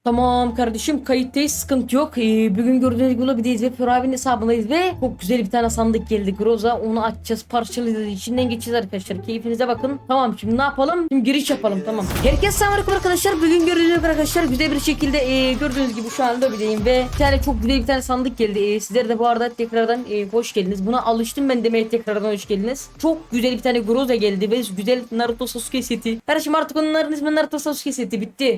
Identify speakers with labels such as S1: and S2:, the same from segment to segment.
S1: Tamam kardeşim, kayıttayız, sıkıntı yok. Bugün gördüğünüz gibi Lobby'deyiz ve Ferabi'nin hesabındayız ve çok güzel bir tane sandık geldi. Groza, onu açacağız, parçalayacağız, içinden geçeceğiz arkadaşlar. Keyfinize bakın. Tamam, şimdi ne yapalım? Şimdi giriş yapalım, tamam. Herkese selamünaleyküm arkadaşlar. Bugün gördüğünüz gibi arkadaşlar güzel bir şekilde gördüğünüz gibi şu an Lobby'deyim ve bir tane çok güzel bir tane sandık geldi. Sizler de bu arada tekrardan hoş geldiniz. Buna alıştım ben demeye, tekrardan hoş geldiniz. Çok güzel bir tane Groza geldi ve güzel Naruto Sasuke seti. Kardeşim artık onların ismi Naruto Sasuke seti, bitti.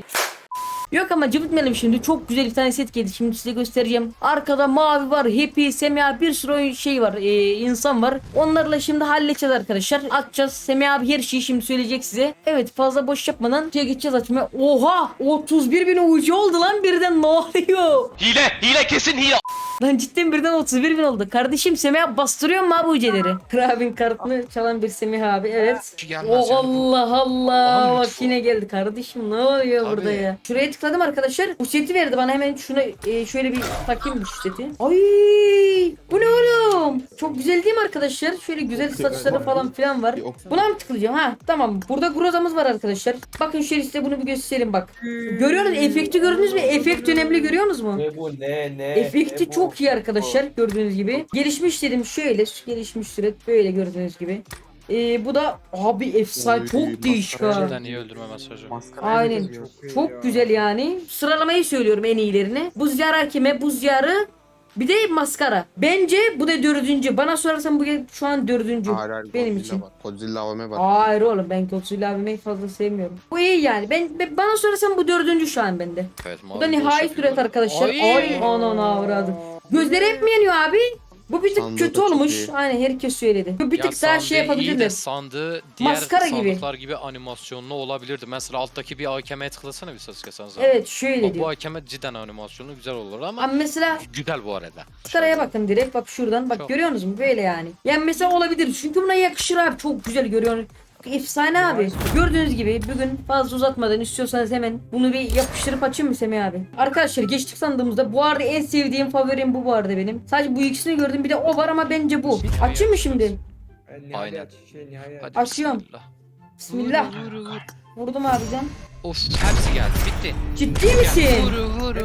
S1: Yok ama cıvıtmayalım şimdi. Çok güzel bir tane set geldi. Şimdi size göstereceğim. Arkada mavi var, Happy, Semih, bir sürü şey var. İnsan var. Onlarla şimdi halledeceğiz arkadaşlar. Açacağız. Semih abi her şeyi şimdi söyleyecek size. Evet, fazla boş yapmadan şeye geçeceğiz açmaya. Oha! 31.000 ucu oldu lan birden, ne oluyor?
S2: Hile kesin hile.
S1: Lan cidden birden 31.000 oldu. Kardeşim Semih abi bastırıyor mu abi uceleri? Krabin kartını çalan bir Semih abi, evet.
S2: Gelmez
S1: Oh Allah Allah.
S2: Aman
S1: Bak
S2: lütfen.
S1: yine geldi kardeşim, ne oluyor
S2: Tabii.
S1: burada ya? Şuraya tıkladım arkadaşlar. Bu seti verdi bana, hemen şuna şöyle bir takayım bu seti. Ay, bu ne oğlum? Çok güzel değil mi arkadaşlar? Şöyle güzel saçları falan filan var. Buna mı tıklayacağım? Ha tamam. Burada Groza'mız var arkadaşlar. Bakın şöyle size bunu bir göstereyim bak. Görüyorsunuz, efekti gördünüz mü? Efekt önemli, görüyorsunuz mu?
S3: Ne bu ne?
S1: Efekti çok iyi arkadaşlar, gördüğünüz gibi. Gelişmiş dedim, şöyle gelişmiş süret böyle gördüğünüz gibi. Bu da abi efsane,
S4: Oy,
S1: çok değişik ha.
S2: Cidden iyi öldürme mesajı.
S1: Aynen. Çok güzel yani. Sıralamayı söylüyorum en iyilerini. Buz diyarı hakeme, buz diyarı, bir de maskara. Bence bu da dördüncü. Bana sorarsan bu şu an dördüncü. Benim için.
S4: Godzilla AVM var.
S1: Hayır oğlum, ben Godzilla abimeyi fazla sevmiyorum. Bu iyi yani. Bana sorarsan bu dördüncü şu an bende.
S2: Evet,
S1: Bu da nihai süret arkadaşlar. Ay anana avradım. Gözleri hep mi yanıyor abi? Bu bir tık
S4: Sandığı
S1: kötü
S4: da çok
S1: olmuş.
S4: iyi.
S1: Aynen, herkes söyledi. Bu bir tık daha şey
S2: iyi de
S1: yapabilirler.
S2: sandığı diğer
S1: Maskara gibi.
S2: sandıklar gibi animasyonlu olabilirdi. Mesela alttaki bir AKM'ye tıklasana bir Sasuke sen zaten.
S1: Evet şöyle
S2: Bak, bu
S1: diyor.
S2: AKM cidden animasyonu güzel olur ama
S1: Ama mesela
S2: güzel bu arada.
S1: maskaraya bakın direkt, bak şuradan, bak
S2: Çok.
S1: görüyorsunuz mu, böyle yani. Yani mesela olabilir çünkü buna yakışır abi, çok güzel görüyorsunuz. Efsane abi. Gördüğünüz gibi bugün fazla uzatmadan, istiyorsanız hemen bunu bir yapıştırıp açayım mı Semih abi? Arkadaşlar geçtik sandığımızda. Bu arada en sevdiğim favorim bu arada benim. Sadece bu ikisini gördüm, bir de o var ama bence bu. Açayım mı şimdi?
S2: Aynen. Hadi
S1: Açıyorum.
S2: bismillah.
S1: Bismillah.
S2: Vur, vur, vur.
S1: Vurdum abiden.
S2: Of, hepsi geldi. Bitti.
S1: Ciddi misin?
S2: Vur.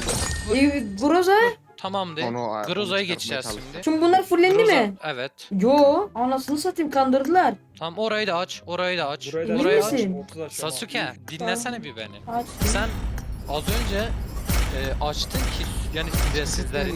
S1: Groza.
S2: Tamamdır.
S4: Onu
S2: Groza'ya
S4: çıkartmaya
S2: geçeceğiz
S4: çalıştım.
S2: şimdi.
S1: Şimdi bunlar fullendi
S2: Groza,
S1: mi?
S2: evet.
S1: Yo. Anasını satayım, kandırdılar.
S2: Tamam, orayı da aç. Orayı da aç.
S1: Emin
S2: Orayı aç.
S1: misin?
S2: Sasuke, dinlesene bir beni.
S1: Aç.
S2: Sen az önce açtın ki yani sizlerin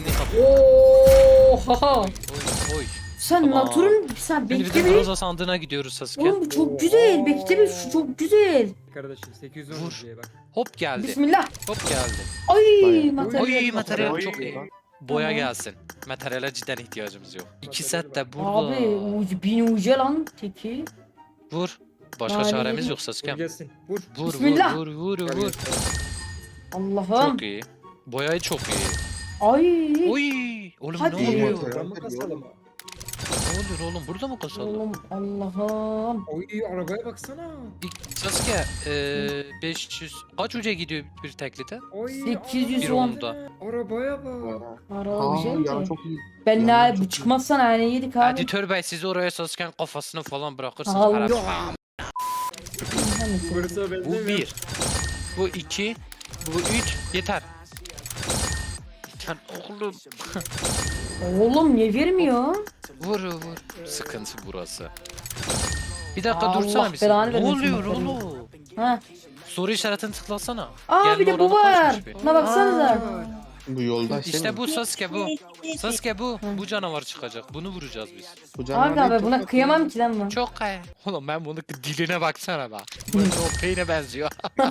S1: Oha.
S2: Oy.
S1: Sen
S2: Tamam.
S1: Natur'un sen
S2: Şimdi bir
S1: bekle
S2: de
S1: bir.
S2: Groza sandığına gidiyoruz Sasuke.
S1: Oğlum bu çok güzel. Bekle bir, şu çok güzel.
S3: Kardeşim 810
S2: Vur.
S3: diye bak.
S2: Hop geldi.
S1: Bismillah.
S2: Hop geldi.
S1: Ay
S4: Bayağı.
S1: materyal.
S2: Oy, materyal
S3: Oy.
S2: çok iyi. Boya
S1: Tamam.
S2: gelsin. Materyale cidden ihtiyacımız yok. İki set de burada.
S1: Abi bin uca lan teki.
S2: Vur. Başka
S1: Yani-
S2: çaremiz yok
S3: Vur
S2: Sasuke.
S3: gelsin. Vur.
S2: Vur
S1: Bismillah.
S2: vur.
S1: Allah'ım.
S2: Çok iyi. Boyayı çok iyi.
S1: Ay.
S2: Oy. Oğlum
S1: Hadi.
S2: ne oluyor?
S3: Buradan mı kasalım?
S2: Ne oluyor oğlum? Burada mı kasalım?
S1: Oğlum Allah'ım.
S3: Oy arabaya baksana.
S2: Sasuke 500 kaç uca gidiyor bir teklite?
S3: Oy.
S1: 810.
S2: Bir onda.
S3: Arabaya bak.
S1: Araba güzel
S4: ya
S1: de.
S4: çok iyi.
S1: Ben
S4: Yandan
S1: ne
S4: çok
S1: bu çıkmazsan hani yedik abi.
S2: Editör bey, siz oraya Sasuke'nin kafasını falan bırakırsınız.
S1: Allah.
S2: Herhalde.
S3: Burası
S2: Bu
S3: benzemiyor.
S2: 1. Bu 2. Bu 3. Yeter. Yeter oğlum.
S1: Oğlum niye vermiyor?
S2: Vur. Sıkıntı burası. Bir dakika
S1: Allah
S2: dursana bir
S1: belanı
S2: sen. Ne
S1: vermesin
S2: oluyor
S1: bakalım.
S2: oğlum?
S1: Ha.
S2: Soru işaretini tıklasana.
S1: Aa
S2: Gelme
S1: bir de bu
S2: oranı
S1: var.
S2: kaçmış bir?
S1: Buna baksanıza.
S4: Bu yolda
S2: İşte bu Sasuke bu. Sasuke bu. Bu canavar çıkacak. Bunu vuracağız biz.
S4: Bu
S1: Abi
S4: canavar
S1: abi
S4: değil,
S1: buna
S4: çok
S1: kıyamam ki lan bu.
S2: Çok kaya. Oğlum ben bunu diline baksana bak. Bu o peyne benziyor.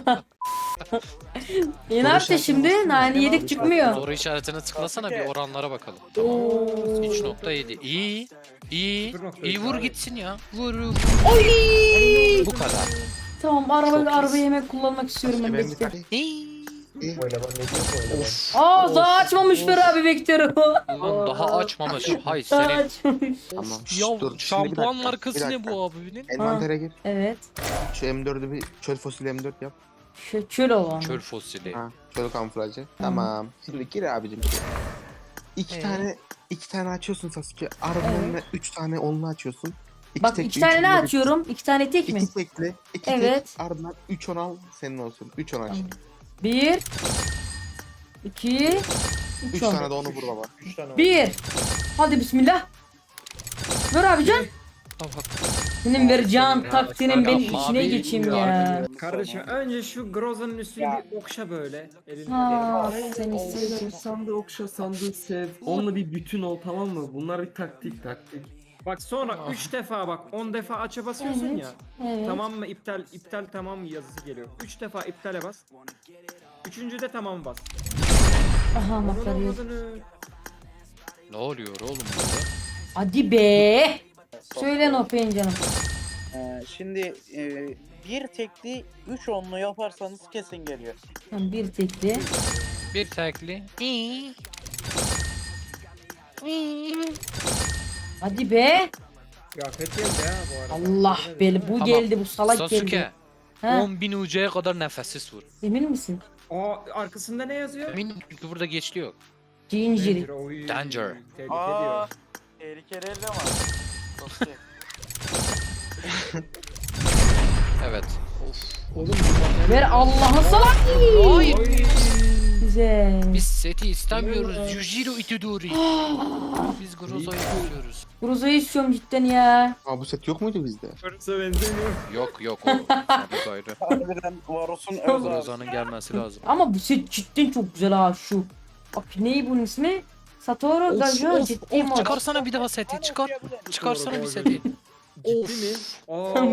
S1: E ne yaptı şimdi? Nane yedik çıkmıyor.
S2: Soru işaretine tıklasana bir oranlara bakalım.
S1: Oo.
S2: 3.7. İyi. İyi vur gitsin ya. Vur.
S1: Oy!
S2: Bu kadar.
S1: Tamam, arabayı hemen kullanmak istiyorum ben,
S4: Ben bir
S1: bekle.
S4: tane-
S2: İyi.
S3: Oynama ne diyor oynama.
S1: Aa daha açmamış bir abi vektörü.
S2: Ulan daha açmamış. Hay
S1: Daha
S2: senin.
S1: açmamış.
S4: Tamam.
S2: Ya
S4: Dur, şimdi bir
S2: şampuan
S4: dakika,
S2: markası
S4: bir
S2: ne
S4: dakika.
S2: bu abinin?
S4: Envantere gir.
S1: Evet.
S4: Şu M4'ü bir çöl fosili M4 yap.
S1: Çöl olan.
S2: Çöl fosili.
S4: Ha, çöl kamuflajı. Tamam. Şimdi gir abicim. İki tane açıyorsun Sasuke. Arabanın
S1: Evet.
S4: önüne 3 tane onlu açıyorsun.
S1: Bak
S4: tek,
S1: iki
S4: üç
S1: tane ne
S4: onlu
S1: açıyorum? İki tane tek mi?
S4: İki tekli. İki
S1: Evet.
S4: tek. Ardından 3 on al senin olsun. 3 on aç.
S1: Tamam. Bir. 2
S4: 3 tane de onu vur baba.
S3: 3 tane var.
S1: 1. Hadi bismillah. Ver abican.
S2: Bak bak.
S1: Senin vereceğin taktiğinin
S2: Ya,
S1: benim
S2: abi,
S1: içine geçeyim ya.
S3: Kardeşim önce şu Groza'nın üstünü bir okşa böyle. Elini.
S1: Ha, seni
S5: Sevdim,
S1: sevdim.
S5: sandığı okşa, sandığı sev. Onunla bir bütün ol, tamam mı? Bunlar bir taktik.
S3: Bak sonra 3 defa bak 10 defa aç'a basıyorsun
S1: Evet.
S3: ya.
S1: Evet.
S3: Tamam mı iptal tamam mı yazısı geliyor. 3 defa iptale bas. Üçüncüde tamam bas.
S1: Aha
S3: Onun
S1: makarayı.
S3: olmadığını.
S2: Ne oluyor oğlum burada?
S1: Hadi be. Söyle Nopen canım.
S6: Şimdi bir tekli 3 onlu yaparsanız kesin geliyor.
S1: Tamam, bir tekli.
S2: Bir tekli.
S1: Hadi be.
S3: Kıyafet geldi ha bu arada.
S1: Allah beli bu
S2: Tamam.
S1: geldi bu salak geldi.
S2: Sasuke.
S1: Ha,
S2: 10.000 UC'ye kadar nefessiz vur.
S1: emin misin?
S3: Aa arkasında ne yazıyor?
S2: Eminim çünkü burada geçli yok.
S1: Ginger.
S3: Oy,
S2: Danger.
S3: Tehlike
S6: Aa,
S3: diyor.
S6: tehlikeli elde var. Sasuke.
S2: Evet.
S3: Oğlum
S1: Ver Allah'ı salak.
S2: Hayır.
S1: Güzel.
S2: Biz seti istemiyoruz. Yujiro Itadori. Biz Groza'yı istiyoruz.
S1: Groza'yı istiyorum cidden ya.
S4: Aa bu set yok muydu bizde?
S3: Fırsa benzemiyor.
S2: Yok o. Sabit ayrı.
S6: Harbiden Varos'un öz ağzı.
S2: Groza'nın gelmesi lazım.
S1: Ama bu set cidden çok güzel ha şu. Bak ney bunun ismi? Satoru Gajo ciddi mod.
S2: Çıkarsana bir daha seti. Çıkar. Çıkarsana bir seti.
S3: Ciddi mi? Aa.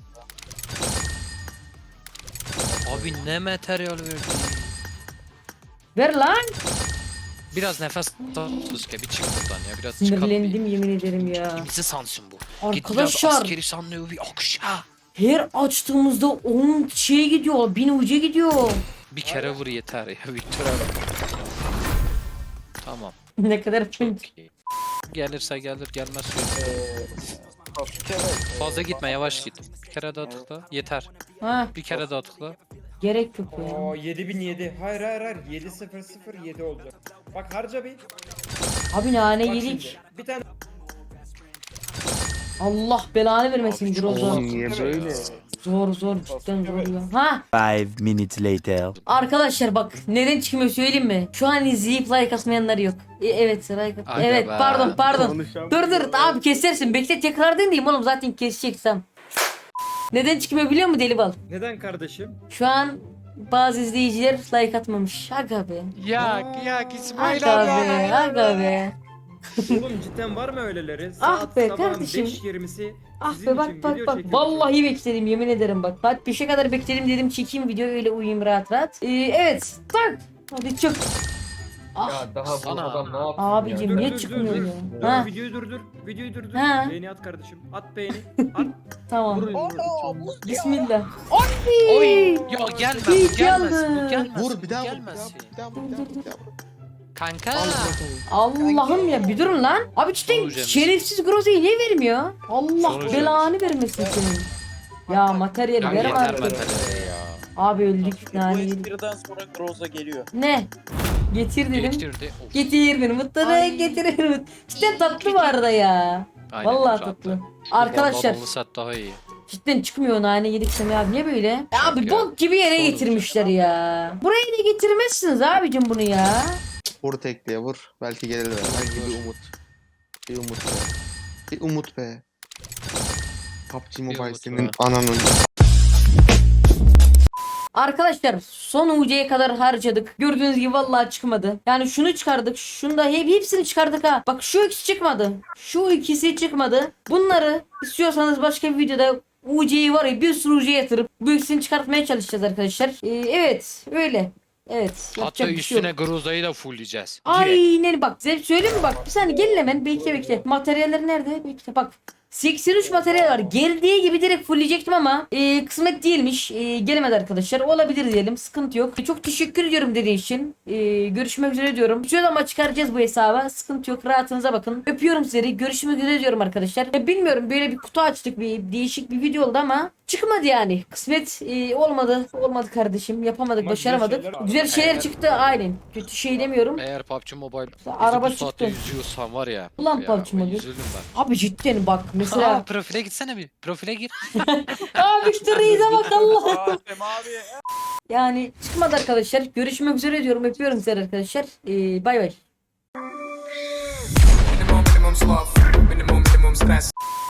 S2: Abi ne materyal verdi.
S1: Ver lan.
S2: Biraz nefes al Sasuke, bir çık buradan ya. Biraz çıkalım
S1: Sinirlendim yemin ederim ya.
S2: Kimisi sansın bu. Git biraz
S1: Arkadaşlar
S2: askeri sandığı bir okşa.
S1: her açtığımızda 10 şey gidiyor. 1000 uca gidiyor.
S2: Bir kere vur yeter ya Victor abi. Tamam.
S1: Ne kadar
S2: Çok
S1: pint.
S2: iyi. Gelirse gelir gelmez söyle.
S6: Sasuke Bey.
S2: Fazla gitme yavaş git. Bir kere daha tıkla. Yeter.
S1: Ha
S2: Bir kere daha tıkla.
S1: gerek yok ya.
S3: Aa 7007. Hayır. 7007 olacak. Bak harca bir.
S1: Abi nane
S3: Bak
S1: yedik.
S3: şimdi. Bir tane
S1: Allah belanı vermesin
S2: Abi çok
S1: Groza.
S4: Oğlum niye böyle?
S1: Zor cidden zor ya. Ha
S7: 5 minutes later.
S1: arkadaşlar bak neden çıkmıyor söyleyeyim mi? Şu an izleyip like atmayanlar yok. Evet like
S2: Aga
S1: evet
S2: be.
S1: pardon. Dur abi kesersin. Bekle tekrar diyeyim oğlum zaten keseceksem. Neden çıkmıyor biliyor musun Deli Bal?
S3: neden kardeşim?
S1: Şu an bazı izleyiciler like atmamış. Aga be.
S2: Yak
S1: Aga be. Aga be.
S3: Oğlum cidden var mı öyleleri?
S1: Ah
S3: Saat
S1: be
S3: sabahın
S1: kardeşim.
S3: 5:20'si
S1: Ah
S3: sizin
S1: be
S3: için
S1: bak
S3: video
S1: bak.
S3: çekiyoruz.
S1: Vallahi bekledim yemin ederim bak. Saat 5'e kadar bekledim dedim çekeyim video öyle uyuyayım rahat. Evet tak. Hadi çık. Ah
S3: daha
S2: Sana.
S3: adam ne yapsın
S1: abicim
S3: ya?
S1: niye çıkmıyor ya? Ha
S3: Videoyu durdur.
S1: Ha.
S3: Beğeni at kardeşim. At beğeni. At.
S1: tamam.
S6: Aa, buz ya.
S1: Bismillah.
S2: Oy. Ya gelmez
S1: İyi
S2: bu gelmez
S1: geldi.
S2: bu gelmez.
S4: Vur bir daha vur.
S2: Gelmez.
S4: Bir daha vur.
S2: Kanka.
S1: Allah'ım ya bir durun lan. Abi cidden
S2: Sonucu
S1: şerefsiz Groza'yı niye vermiyor? Allah
S2: Sonucu
S1: belanı vermesin senin. Ya materyal
S2: Ya
S1: ver
S2: yeter
S1: artık.
S2: materyal ya.
S1: Abi öldük
S6: Bu
S1: yani. yedik.
S6: espriden sonra Groza geliyor.
S1: Ne? Getir dedim.
S2: Getirdi. Of.
S1: Getir beni mutluluğa
S2: Ay.
S1: getir beni. Cidden tatlı bu arada ya.
S2: Aynen,
S1: Vallahi
S2: rahat.
S1: tatlı. Arkadaşlar
S2: Ballı set daha iyi.
S1: cidden çıkmıyor nane yedik Semih abi niye böyle? Ya abi
S2: ya.
S1: bok gibi yere
S2: Doğru.
S1: getirmişler ya. Buraya da getirmezsiniz abicim bunu ya.
S4: Vur tekliye vur. Belki gelir be. Belki bir umut. Bir umut be. Bir umut be. PUBG Mobile
S2: umut
S4: senin
S2: be.
S4: ananın.
S1: Arkadaşlar son UC'ye kadar harcadık. Gördüğünüz gibi vallahi çıkmadı. Yani şunu çıkardık. Şunu da hepsini çıkardık ha. Bak şu ikisi çıkmadı. Şu ikisi çıkmadı. Bunları istiyorsanız başka bir videoda UC'yi var ya bir sürü UC yatırıp bu ikisini çıkartmaya çalışacağız arkadaşlar. Evet öyle. Evet.
S2: Hatta
S1: yapacak bir şey yok.
S2: üstüne Groza'yı da fullleyeceğiz. Direkt.
S1: Aynen bak. Size söyleyeyim mi bak. Bir saniye gelin hemen. Bekle. Materyaller nerede? Bekle bak. 83 materyal var. Geldiği gibi direkt fullleyecektim ama kısmet değilmiş. Gelemedi arkadaşlar. Olabilir diyelim. Sıkıntı yok. Çok teşekkür ediyorum dediğin için. Görüşmek üzere diyorum. Şöyle ama çıkaracağız bu hesaba. Sıkıntı yok. Rahatınıza bakın. Öpüyorum sizleri. Görüşmek üzere diyorum arkadaşlar. Bilmiyorum böyle bir kutu açtık. Bir değişik bir video oldu ama çıkmadı yani. Kısmet olmadı. Olmadı kardeşim. Yapamadık.
S3: Ama
S1: başaramadık.
S3: güzel şeyler var.
S1: Güzel şeyler
S2: Eğer-
S1: çıktı. Aynen. Kötü şey demiyorum.
S2: Eğer PUBG Mobile
S1: Araba
S2: bu saatte
S1: çıktı.
S2: yüzüyorsan var ya.
S1: Ulan
S2: ya,
S1: PUBG Mobile.
S2: Üzüldüm ben.
S1: Abi cidden bak Mesela
S2: Aa, profile gitsene bir. Profile gir.
S1: aa müşteriyize bak Allah.
S6: Adem abi.
S1: Yani çıkmadı arkadaşlar. Görüşmek üzere diyorum. Öpüyorum sizleri arkadaşlar. Bay bay.
S8: Minimum slop.